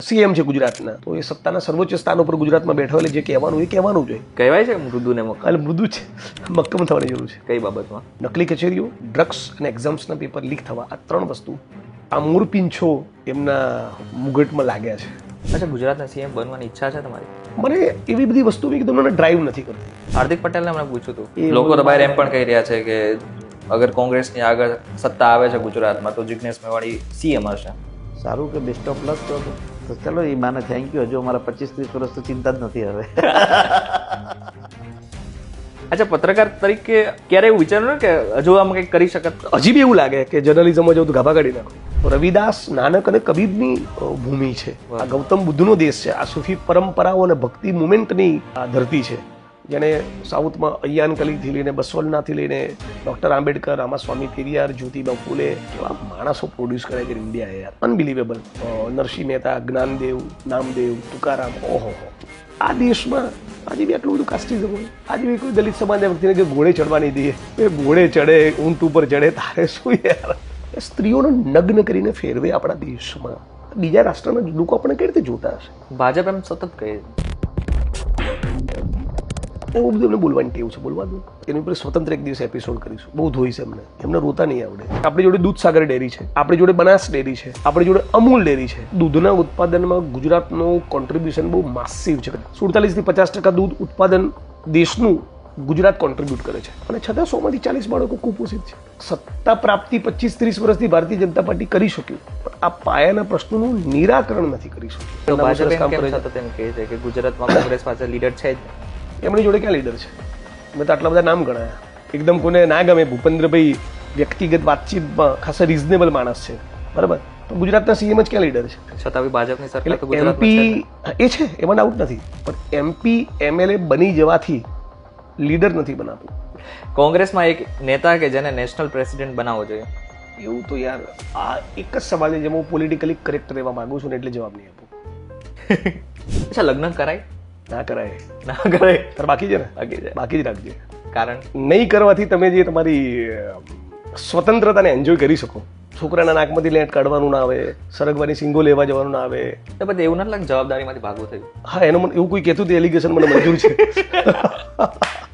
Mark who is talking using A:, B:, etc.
A: CM છે ગુજરાતના, તો એ સત્તાના સર્વોચ્ચ સ્થાન ઉપર ગુજરાતમાં બેઠો એટલે જે કહેવાનું એ કહેવાનું જોઈએ.
B: કહેવાય છે મૃદુને મક્કમ.
A: એટલે મૃદુ છે, મક્કમ થવાની જરૂર છે.
B: કઈ બાબતમાં?
A: નકલી કચેરીઓ, ડ્રગ્સ અને એક્ઝામ્સના પેપર લીક થવા, આ 3 વસ્તુ આ મૂરપીંછો એમના મુગટમાં લાગ્યા છે.
B: અચ્છા, ગુજરાતના સીએમ બનવાની ઈચ્છા છે તમારી?
A: મને એવી બધી વસ્તુ મેં કીધું મને ડ્રાઈવ નથી કરતી.
B: હાર્દિક પટેલને હમણાં પૂછ્યું હતું, લોકો તો બહાર એમ પણ કહી રહ્યા છે કે અગર કોંગ્રેસની આગળ સત્તા આવે છે ગુજરાતમાં તો જિગ્નેશ મેવાણી સીએમ હશે.
C: સારું કે બેસ્ટ ઓફ લક. તો ચલો એ માને થેન્ક યુ. હજુ અમારા 25-30 વર્ષ તો ચિંતા જ નથી હવે.
B: અચ્છા, પત્રકાર તરીકે ક્યારે એવું વિચાર્યું કે હજુ આમ કંઈક કરી શકત?
A: હજી બી એવું લાગે કે જર્નલિઝમમાં જવું તો ગાભા કાઢી નાખો. રવિદાસ, નાનક અને કબીરની ભૂમિ છે. આ ગૌતમ બુદ્ધનો દેશ છે. આ સૂફી પરંપરાઓ અને ભક્તિ મુવમેન્ટની આ ધરતી છે. જેને સાઉથમાં અય્યાન કલીથી લઈને બસવલનાથી લઈને ડૉક્ટર આંબેડકર, રામાસ્વામી પેરિયાર, જ્યોતિબા ફૂલે એવા માણસો પ્રોડ્યુસ કરે છે ઇન્ડિયા. યાર અનબિલિવેબલ. નરસિંહ મહેતા, જ્ઞાનદેવ, નામદેવ, તુકારામ. ઓહો, આ દેશમાં આજે બી આટલું બધું કાસ્ટિઝમ હોય. આજે બી કોઈ દલિત સમાજના વ્યક્તિને કે ઘોડે ચડવા નહીં દઈએ, એ ઘોડે ચડે, ઊંટ ઉપર ચડે, તારે શું યાર? સ્ત્રીઓને નગ્ન કરીને ફેરવે આપણા દેશમાં. બીજા રાષ્ટ્રના લોકો આપણે કઈ રીતે જોતા હશે?
B: ભાજપ એમ સતત કહે
A: એવું બધું એમને બોલવાની ટેવ છે. બોલવા દો, એની ઉપર સ્વતંત્ર એક દિવસ એપિસોડ કરીશું. બહુ ધોઈ છે એમને રોતા નહીં આવડે. આપણી જોડે દૂધસાગર ડેરી છે, આપણી જોડે બનાસ ડેરી છે, આપણી જોડે અમૂલ ડેરી છે. દૂધના ઉત્પાદનમાં ગુજરાતનું કોન્ટ્રીબ્યુશન બહુ માસિવ છે. 47 થી 50% દૂધ ઉત્પાદન દેશનું ગુજરાત કોન્ટ્રીબ્યુટ કરે છે, અને છતાં 100 માંથી 40 બાળકો કુપોષિત છે. સત્તા પ્રાપ્તિ 25-30 વર્ષથી ભારતીય જનતા પાર્ટી કરી શક્યું, પણ આ પાયાના પ્રશ્નોનું નિરાકરણ નથી કરી શક્યું.
B: તો ભાજપ સતત એમ કહે છે કે ગુજરાતમાં કોંગ્રેસ પાસે લીડર છે જ.
A: એમની જોડે ક્યાં લીડર છે? મેં તો આટલા બધા નામ ગણાયા. એકદમ કોને ના ગમે, ભૂપેન્દ્રભાઈ વ્યક્તિગત વાતચીતમાં ખાસા રિઝનેબલ માણસ છે, બરાબર, તો ગુજરાતના સીએમ જ ક્યાં લીડર છે?
B: છતાં બી ભાજપની સરકાર તો
A: એમપી એ છે, એમાં ડાઉટ નથી, પણ એમપી એમએલએ બની જવાથી લીડર નથી બનાતું.
B: કોંગ્રેસમાં એક નેતા કે જેને નેશનલ પ્રેસિડેન્ટ બનાવવો જોઈએ,
A: એવું તો યાર આ એક જ સવાલ છે જેમાં હું પોલિટિકલી કરેક્ટ રહેવા માંગુ છું ને એટલે જવાબ નહીં આપું.
B: અચ્છા, લગ્ન કરાય?
A: ના કરાય.
B: ના કરાય.
A: તાર બાકી છે ને? બાકી જ રાખજે. કારણ નહીં કરવાથી તમે જે તમારી સ્વતંત્રતાને એન્જોય કરી શકો. છોકરાના નાકમાંથી લેટ કાઢવાનું ના આવે, સરગવાની સિંગો લેવા જવાનું ના આવે.
B: તો પછી એવું નથી લાગે જવાબદારીમાંથી ભાગવું થયું?
A: હા, એનું મને એવું કોઈ કહેતું હતું, એલિગેશન મને મંજૂર છે.